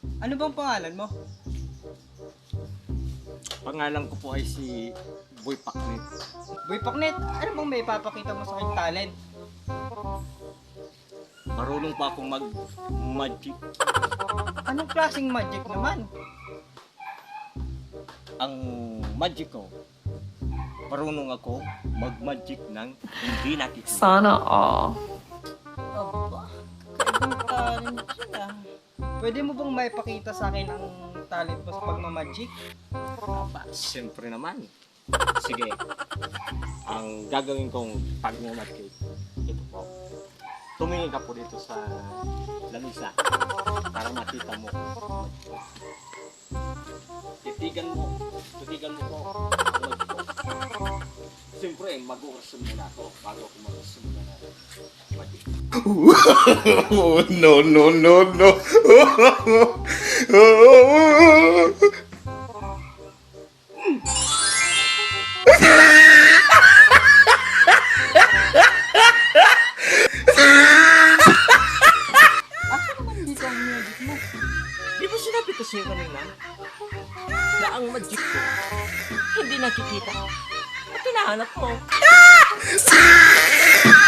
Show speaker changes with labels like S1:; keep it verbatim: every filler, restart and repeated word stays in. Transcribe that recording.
S1: Ano bang pangalan mo?
S2: Pangalan ko po ay si Boy Paknet.
S1: Boy Paknet, ano bang may ipapakita mo sa aking talent?
S2: Marunong pa akong mag-magic.
S1: Anong klaseng magic naman?
S2: Ang magic ko, marunong ako mag-magic ng hindi nakikita.
S3: Sana all.
S1: Aba, kakaibang talent yun ah. Pwede mo bang maipakita sa akin ang talent mo sa pagmamagic?
S2: Aba, siyempre naman. Sige, ang gagawin kong pag-magic, ito po. Tumingin ka po dito sa lamisa para makita mo. Titigan mo, titigan mo po. Siyempre, mag-uurasyon muna ako bago ako mag-uurasyon muna na magic.
S4: Oh, no, no, no, no.
S1: Asa naman dito ang magic mo?
S2: Di ba sinabi ko sa'yo kanina na ang magic ko hindi nakikita? At hinahanap ko.